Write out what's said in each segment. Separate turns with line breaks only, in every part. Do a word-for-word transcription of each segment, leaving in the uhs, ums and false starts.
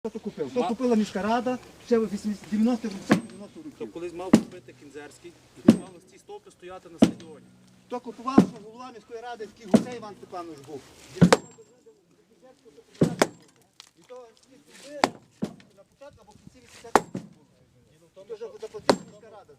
Хто купив? То купила міська рада ще в дев'яностих років.
Хто колись мав купити Кінзерський, і мали ці стовпи стояти на стадіоні.
Хто купував, що голова міської ради, такий Гусей Іван Степанович був. І то ці стовби на початку або в кінці вісімдесятих років. То вже заплатила міська рада.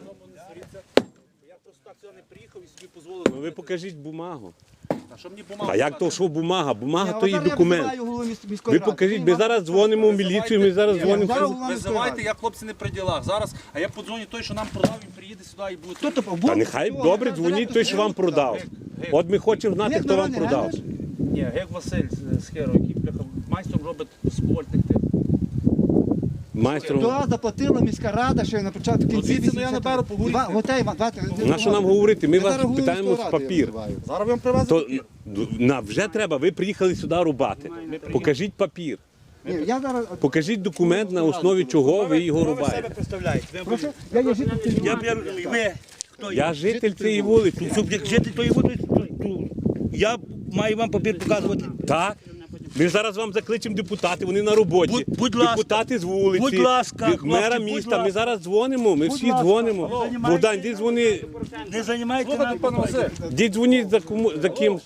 Я просто так сюди не приїхав і собі дозволив.
Ну ви покажіть бумагу.
А що мені бумага?
А як то що бумага? Бумага то
Я
є
зараз
документ.
визиваю голову міс- міської
Ви
ради.
покажіть,
Він
ми
вам-
зараз дзвонимо в міліцію, ми зараз
Ні,
дзвонимо.
зараз
в-
голова міської
Визивайте,
ради.
я хлопці не при ділах. Зараз, а я подзвоню той, що нам продав, він приїде сюди і буде.
Хто то був?
Та нехай добре дзвоніть той, що вам продав. От ми хочемо знати,
Гек
хто вам
Народний,
продав.
геш?
Ні, Гек Василь з Херо, який бляха, майстром робить скольтних тих.
Майстром.
То заплатила міська рада ще на початку кінці
звідси, ну, я наберу, поговорити.
Іван- Готей, Іван, давайте.
На що нам говорити? Ми
Я
вас
зараз голову
питаємо
міської
з
ради
папір.
визиваю.
Зараз вам привезли
То
папір.
на вже треба, ви приїхали сюди рубати. Покажіть папір.
Ні, я зараз...
Покажіть документ, на основі чого ви його рубаєте.
Прошу, я є житель цієї
Я,
вулиці.
я, ви, хто
Я житель цієї вулиці.
Щоб як жити тої води, я маю вам папір показувати.
Так. Ми зараз вам закличемо депутати, вони на роботі.
Будь- будь ласка.
Депутати з вулиці,
Будь ласка,
від мера
хлопці, будь
міста. Ми
ласка.
зараз дзвонимо, ми всі
ласка.
дзвонимо.
Займайте-
Богдан, йди дзвони,
Не займайте
Слухайте, пане
нам.
Василь,
йди дзвоніть за кому за ким.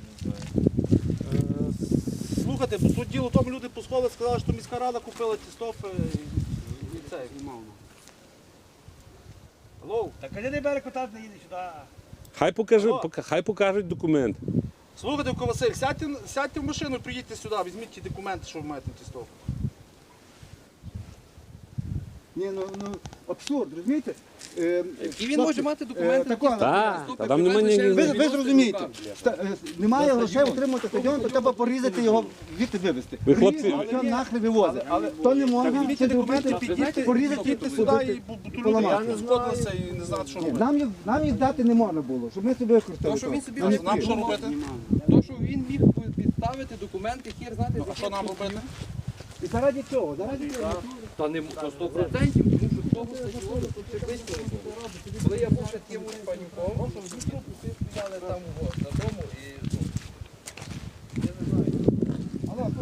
слухайте, бо тут діло в тому, люди посходили, сказали, що міська рада купила ті стовпи і, і це, і мав. Алло,
Так а не бере кота, не їде сюди.
Хай покажуть, пока- хай покажуть документ.
слухайте, Ко Василь, сядьте, сядьте в машину, приїдьте сюди, візьміть ті документи, що ви маєте на ті стовпи.
Ні, ну, ну, абсурд, розумієте? Е,
І він
хлопці,
може мати
е,
документи.
тако,
Так, та там немає ні.
Ви, ви зрозумієте, ста- е, немає грошей отримати стадіон, то треба порізати його, звідти вивезти.
Ви, хлопці-
Ріжуть, що нахли вивозить. То не можна,
Візьміть
це
документи,
документи,
підійдіть,
порізати,
підійдіть сюди і
побити,
бо- бо тут люди
поламати.
сходилися і не знають, що
Ні,
робити.
Нам їх, нам їх дати не можна було, щоб ми собі використали.
То, що
то.
він собі
Нам не
Нам що
потрібно.
робити?
То, що він міг підставити документи, хір знати,
А що нам робити?
І заради цього, заради цього.
Та не то сто процентів, тому що того стадіону тут ще близько не було. Коли я був ще тим панюком, всі стояли там от, на дому і ну, я не знаю.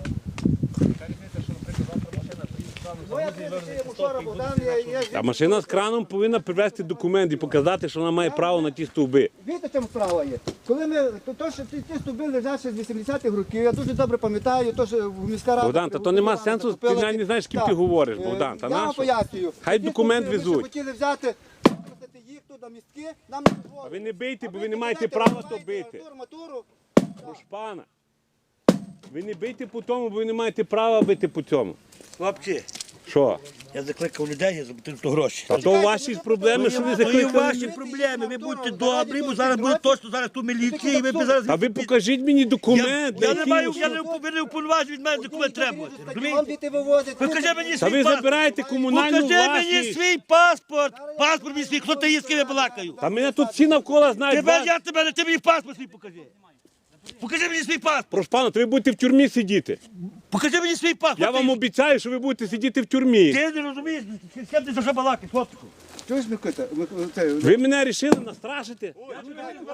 Ну, я приїхав вчора, Богдан, я- я
А машина з краном повинна привезти документ і показати, що вона має право на ті стовби.
Видите, в чому справа є? Коли ми, то, то що ті, ті стовби лежать ще з вісімдесятих років, я дуже добре пам'ятаю, то, що в міська рада...
Богдан, та то нема сенсу, ти
закупила
навіть
ті-
не знаєш, з ким
Так.
ти говориш,
Е,
Богдан, та
я вам
нащо?
пояснюю.
Хай
Ті
документ
стовби, ми
везуть.
ще хотіли взяти, використати їх тут на містки, нам не дозволили.
А ви не бийте,
А
бо ви не маєте
знаєте,
права
ви
то
маєте
бити.
арматуру,
Прошу пана. Ви не бийте по тому, бо ви не маєте права бити по цьому.
Хлопці,
Що?
я закликав людей, я заплатив то гроші.
А то ваші ж проблеми, що ви
То є
закликали.
ваші проблеми, ви будьте добрі, бо зараз буде точно зараз ту міліцію, і ви б зараз...
А ви покажіть мені
Я,
документ.
я не
який-
маю, я не уп- ви не уповноважені від мене документ треба.
Стадіон
Розумієте?
діти вивозять.
Покажи мені
Та
свій
ви
паспорт.
забираєте комунальну
Покажи мені
власність.
свій паспорт. Паспорт мені свій, хто ти є, з ким я балакаю.
Та мене тут всі навколо знають.
Тебе,
вас.
я тебе, не ти мені паспорт свій покажи. Покажи мені свій паспорт.
Прошу пана, то ви будете в тюрмі сидіти.
Покажи мені свій паспорт.
Я вам обіцяю, що ви будете сидіти в тюрмі.
Ти не розумієш, з ким ти за що балакаєш, хлопчику?
Чуєш, Микита? Ми- це-
Ви мене вирішили настрашити?
Не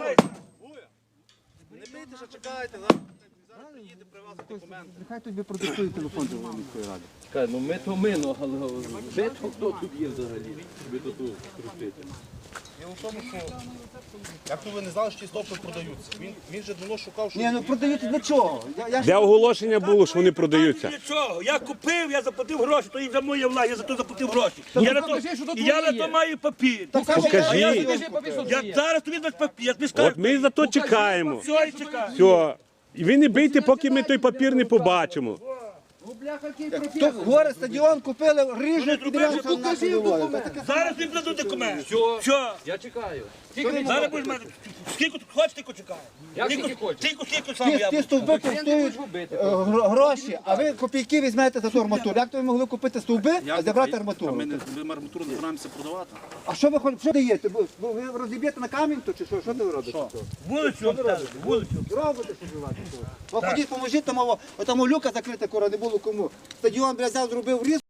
бийте, що чекайте, зараз зараз приїде привезти документи.
Нехай тобі продиктує телефон до міської ради.
Чекай, ну ми то ми, ну, але ви то хто тут є взагалі? Ви тут крутите.
Діло в тому, що як то ви не знали, що ті стовпи продаються. Він, він же давно шукав, що
Ні, ну продають для чого? Я, я ж-
Де оголошення було, що вони продаються?
Нічого, я купив, я заплатив гроші, то і вже моя влада, я за то заплатив гроші. Я на то,
покажи, що тут
і я
твоє
на то
є.
маю папір.
Покажи.
Покажіть.
Покажи папір, що
Я
є.
зараз тобі без папір, я тобі скажу.
От ми за то чекаємо.
Все, і чекаю.
Все. І ви не бийте, поки ми той папір не побачимо.
Ну, бляха, який
Хто
професор.
горе стадіон купили, ріжуть,
зробили,
підряд,
покажи документ.
Зараз тобі дадуть документ.
Все.
Все.
Я чекаю.
Зараз будеш мати. Скільки ти хочеш, тільки чекаю.
Як скільки хочеш?
Тільки, скільки сам
Ті,
я
ті
буду.
стовби
Я не
коштують
хочу бити.
е, гро- гроші, а ви копійки візьмете за ту арматуру. Як то ви могли купити стовби, а забрати
А
арматуру?
ми, не, ми арматуру не збираємося продавати.
А що ви хо- що даєте? Ви ви розіб'єте на камінь, то чи що? Що ви робите?
Вулицю обстежити, вулицю.
Робите, що ви робите? Ви ходіть, поможіть, тому, тому люка закрита, кора не було кому. Стадіон, бля, взяв, зробив різ.